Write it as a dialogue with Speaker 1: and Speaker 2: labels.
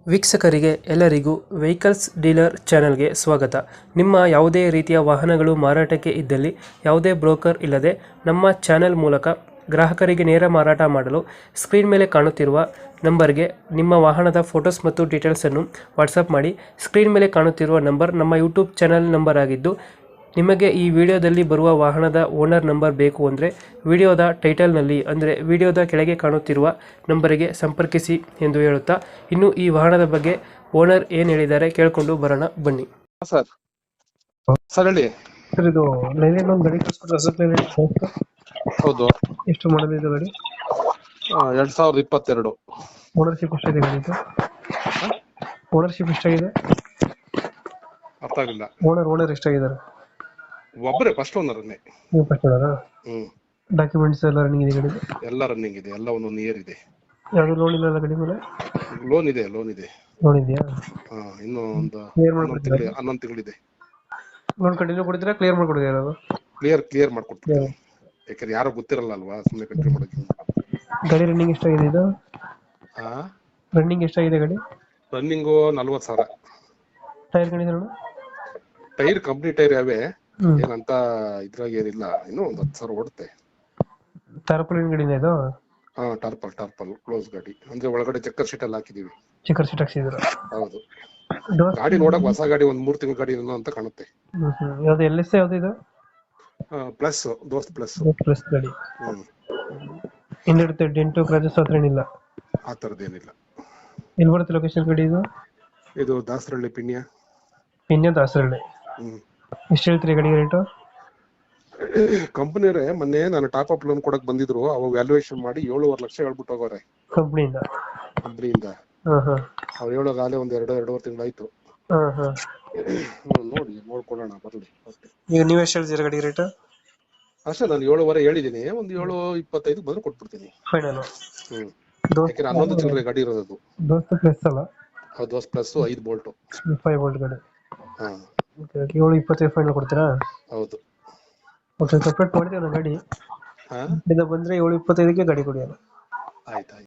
Speaker 1: ವೀಕ್ಷಕರಿಗೆ ಎಲ್ಲರಿಗೂ vehicles dealer ಚಾನೆಲ್ಗೆ ಸ್ವಾಗತ. ನಿಮ್ಮ ಯಾವುದೇ ರೀತಿಯ ವಾಹನಗಳು ಮಾರಾಟಕ್ಕೆ ಇದ್ದಲ್ಲಿ ಯಾವುದೇ ಬ್ರೋಕರ್ ಇಲ್ಲದೆ ನಮ್ಮ ಚಾನೆಲ್ ಮೂಲಕ ಗ್ರಾಹಕರಿಗೆ ನೇರ ಮಾರಾಟ ಮಾಡಲು ಸ್ಕ್ರೀನ್ ಮೇಲೆ ಕಾಣುತ್ತಿರುವ ನಂಬರ್ಗೆ ನಿಮ್ಮ ವಾಹನದ ಫೋಟೋಸ್ ಮತ್ತು ಡೀಟೇಲ್ಸನ್ನು ವಾಟ್ಸಪ್ ಮಾಡಿ. ಸ್ಕ್ರೀನ್ ಮೇಲೆ ಕಾಣುತ್ತಿರುವ ನಂಬರ್ ನಮ್ಮ ಯೂಟ್ಯೂಬ್ ಚಾನೆಲ್ ನಂಬರ್ ಆಗಿದ್ದು, ನಿಮಗೆ ಈ ವಿಡಿಯೋದಲ್ಲಿ ಬರುವ ವಾಹನದ ಓನರ್ ನಂಬರ್ ಬೇಕು ಅಂದರೆ ವಿಡಿಯೋದ ಟೈಟಲ್ನಲ್ಲಿ ಅಂದರೆ ವಿಡಿಯೋದ ಕೆಳಗೆ ಕಾಣುತ್ತಿರುವ ನಂಬರಿಗೆ ಸಂಪರ್ಕಿಸಿ ಎಂದು ಹೇಳುತ್ತಾ, ಇನ್ನು ಈ ವಾಹನದ ಬಗ್ಗೆ ಓನರ್ ಏನು ಹೇಳಿದ್ದಾರೆ ಕೇಳಿಕೊಂಡು ಬರೋಣ ಬನ್ನಿ.
Speaker 2: ಸರ್ ಸರ್ ಹೇಳಿ.
Speaker 1: ಸರ್, ಇದು ಲೈಲ್ಯಾಂಡ್ ಒಂದು ಗಾಡಿ ಕಳಿಸ್ಕೊಟ್ರೆ ಅಸತ್ ಲೈಲ್ಯಾಂಡ್
Speaker 2: ಹೌದು,
Speaker 1: ಎಷ್ಟು ಮಾಡಲ್ ಇದೆ ಗಾಡಿ?
Speaker 2: 2022.
Speaker 1: ಓನರ್ಶಿಪ್ ಎಷ್ಟಾಗಿದೆ ಗಾಡಿದು? ಓನರ್ಶಿಪ್ ಎಷ್ಟಾಗಿದೆ?
Speaker 2: ಅರ್ಥ ಆಗಿಲ್ಲ.
Speaker 1: ಓನರ್ ಎಷ್ಟಾಗಿದ್ದಾರೆ?
Speaker 2: ಒಬ್ಬರೇ ಫಸ್ಟ್ ಓನರ್ನೇ.
Speaker 1: ನೀವು ಫಸ್ಟ್ ಓನರಾ? ಡಾಕ್ಯುಮೆಂಟ್ಸ್ ಎಲ್ಲ ರನ್ನಿಂಗ್ ಇದೆ ಗಾಡಿ?
Speaker 2: ಎಲ್ಲ ರನ್ನಿಂಗ್ ಇದೆ, ಎಲ್ಲ ಒಂದೊಂದು ಇಯರ್ ಇದೆ.
Speaker 1: ಯಾವುದು ಲೋನ್ ಇಲ್ಲ ಗಾಡಿ ಮೇಲೆ?
Speaker 2: ಲೋನ್ ಇದೆ.
Speaker 1: ಲೋನ್ ಇದೆಯಾ?
Speaker 2: ಇನ್ನು ಒಂದು
Speaker 1: ಕ್ಲಿಯರ್
Speaker 2: 11 ತಿಂಗಳಿದೆ.
Speaker 1: ಲೋನ್ ಕಂಟಿನ್ಯೂ ಕೊಡ್ತೀರಾ, ಕ್ಲಿಯರ್ ಮಾಡ್ಕೊಡ್ತೀರಾ?
Speaker 2: ಕ್ಲಿಯರ್ ಮಾಡ್ಕೊಡ್ತೀನಿ. ಯಾಕಂದ್ರೆ ಯಾರೋ ಗೊತ್ತಿರಲ್ಲ ಅಲ್ವಾ, ಸುಮ್ಮನೆ ಕಂಟಿನ್ಯೂ ಮಾಡೋಕೆ.
Speaker 1: ಗಾಡಿ ರನ್ನಿಂಗ್ ಎಷ್ಟಾಗಿದೆ ಇದು? ರನ್ನಿಂಗ್ ಎಷ್ಟಾಗಿದೆ ಗಾಡಿ?
Speaker 2: Running 40,000.
Speaker 1: Tyre condition?
Speaker 2: Tyre company tyre ಯಾವೇ, ಏನಂತ ಇದ್ರಾಗ ಏನಿಲ್ಲ. ಇನ್ನೂ ಒಂದು 10,000 ಓಡುತ್ತೆ.
Speaker 1: ಟಾರ್ಪಲಿನ್ ಗಾಡಿನ ಇದು?
Speaker 2: ಟಾರ್ಪಲ್ ಕ್ಲೋಸ್ ಗಾಡಿ ಅಂದ್ರೆ ಒಳಗಡೆ ಚೆಕ್ಕರ್ ಶೀಟ್ ಎಲ್ಲ ಹಾಕಿದೀವಿ.
Speaker 1: ಚೆಕ್ಕರ್ ಶೀಟ್ ಹಾಕ್ಸಿದ್ರು?
Speaker 2: ಹೌದು. ಗಾಡಿ ನೋಡಕ್ ಹೊಸ ಗಾಡಿ, ಒಂದ್ 3 ತಿಂಗಳ ಗಾಡಿ ಅಂತ ಕಾಣುತ್ತೆ.
Speaker 1: ಯಾವ್ದು LS ಯಾವ್ದು ಇದು?
Speaker 2: ಪ್ಲಸ್, ದೋಸ್ತ್ ಪ್ಲಸ್.
Speaker 1: ಪ್ಲಸ್ ಗಾಡಿ. ಹಿಂದಿರುತ್ತೆ ಡೆಂಟು ಕ್ರಾಚಸ್ ಹತ್ರ ಏನಿಲ್ಲ?
Speaker 2: ಆ ತರದೇನಿಲ್ಲ.
Speaker 1: ಎಲ್ಲಿ ಬರುತ್ತೆ ಲೊಕೇಶನ್ ಗಾಡಿ ಇದು?
Speaker 2: ಇದು ದಾಸರಳ್ಳಿ
Speaker 1: ಪಿನ್ಯ ದಾಸರಳ್ಳಿ. ಎಷ್ಟು ಹೇಳ್ತೀರಿ ಗಾಡಿ ರೇಟು?
Speaker 2: ಕಂಪನಿಯವರೇ ಮೊನ್ನೆ ನಾನು ಟಾಪ್ ಅಪ್ ಲೋನ್ ಕೊಡಕ್ ಬಂದಿದ್ರು, ಅವಾಗ ವ್ಯಾಲ್ಯೂಯೇಷನ್ ಮಾಡಿ 7.5 ಲಕ್ಷ ಹೇಳ್ಬಿಟ್ಟು ಹೋಗೋರೆ ಕಂಪನಿಯಿಂದ. ಅವ್ರು ಹೇಳೋದಾಗಲೇ ಒಂದ್ 2.5 ತಿಂಗಳಾಯ್ತು. ನೋಡ್ಕೊಳ್ಳೋಣ ಬರ್ಲಿ.
Speaker 1: ಈಗ ನೀವು ಎಷ್ಟು ಹೇಳ್ತೀರಾ ಗಾಡಿ ರೇಟ್?
Speaker 2: ಅಷ್ಟೇ, ನಾನು 7.5 ಹೇಳಿದೀನಿ. ಒಂದು 7.25 ಬಂದ್ರೆ ಕೊಟ್ಬಿಡ್ತೀನಿ ಫೈನಲ್. ಯಾಕಂದ್ರೆ 11 ಚಿಲ್ಲರೆ ಗಾಡಿ ಇರೋದು.
Speaker 1: ದೋಸ್ತ್ ಪ್ಲಸ್ ಅಲ್ಲ?
Speaker 2: ದೋಸ್ತ್ ಪ್ಲಸ್ 5 ಬೋಲ್ಟ್.
Speaker 1: 5 ಬೋಲ್ಟ್ ಗಾಡಿ. 7.25 ಫೈನಲ್ ಕೊಡ್ತೀರಾ?
Speaker 2: ಹೌದು.
Speaker 1: ಓಕೆ, ಸಪ್ರೇಟ್ ಮಾಡ್ತೀವಿ ಗಾಡಿ. ಬಂದ್ರೆ 7.25ಗೆ ಗಾಡಿ ಕೊಡಿ.
Speaker 2: ಆಯ್ತು.